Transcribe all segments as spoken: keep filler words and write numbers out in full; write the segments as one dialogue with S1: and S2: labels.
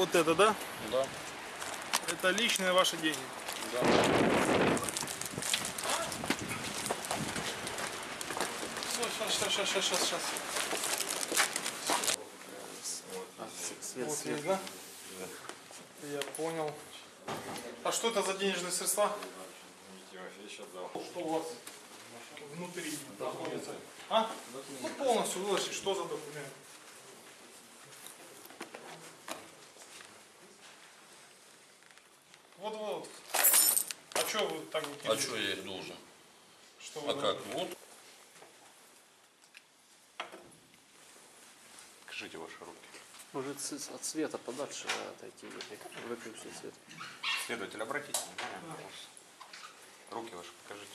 S1: Вот это, да?
S2: Да.
S1: Это личные ваши деньги.
S2: Да.
S1: Сейчас, сейчас, сейчас, сейчас, сейчас.
S3: Свет,
S1: Вот
S3: свет.
S1: есть, да? Я понял. А что это за денежные средства? Что у вас внутри находится? А? Ну полностью выложить. Что за документ? Вот-вот. А что вы так вот?
S2: А что я их должен?
S1: Что вы
S2: А как? Вот.
S3: Покажите ваши руки.
S4: Может от света подальше отойти, выключить свет.
S3: Следователь, обратите внимание. Руки ваши покажите.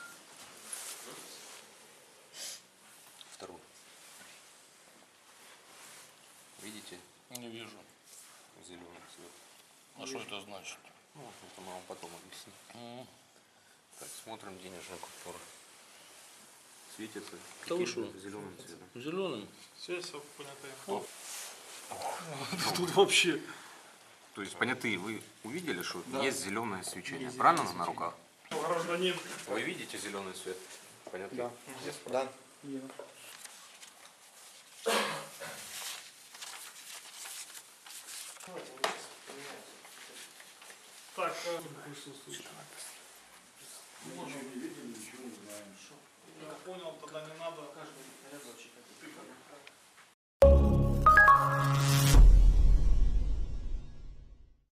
S3: Второй. Видите?
S2: Не вижу.
S3: Зеленый цвет.
S2: А что это значит?
S3: Ну, это мы вам потом объясним.
S2: М.
S3: Так, смотрим денежную купюру. Светится
S2: Да вы что?
S3: зеленым цветом.
S2: Зеленым?
S1: Все, все понятое. Тут вообще.
S3: То есть, понятые, вы увидели, что есть зеленое свечение, правильно, на руках?
S1: Гражданин.
S3: Вы видите зеленый цвет? Понятно?
S4: Да.
S1: Так, э, присутствует. Я понял, тогда не надо. Ты как?